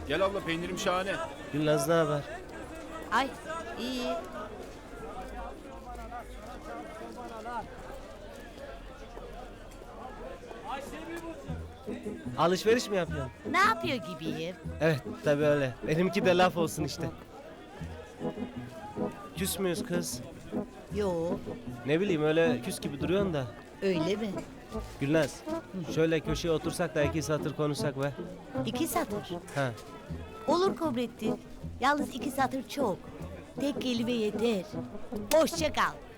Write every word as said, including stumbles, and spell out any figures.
Gel abla, peynirim şahane. Gülnaz ne haber? Ay iyi. Alışveriş mi yapıyorsun? Ne yapıyor gibiyim? Evet tabii öyle. Benimki de laf olsun işte. Küs müyüz kız? Yo, Ne bileyim öyle küs gibi duruyorsun da. öyle mi? Gülnaz şöyle köşeye otursak da iki satır konuşsak be. İki satır. Ha. Olur Kobrettin. Yalnız iki satır çok. Tek kelime yeter. Hoşça kal.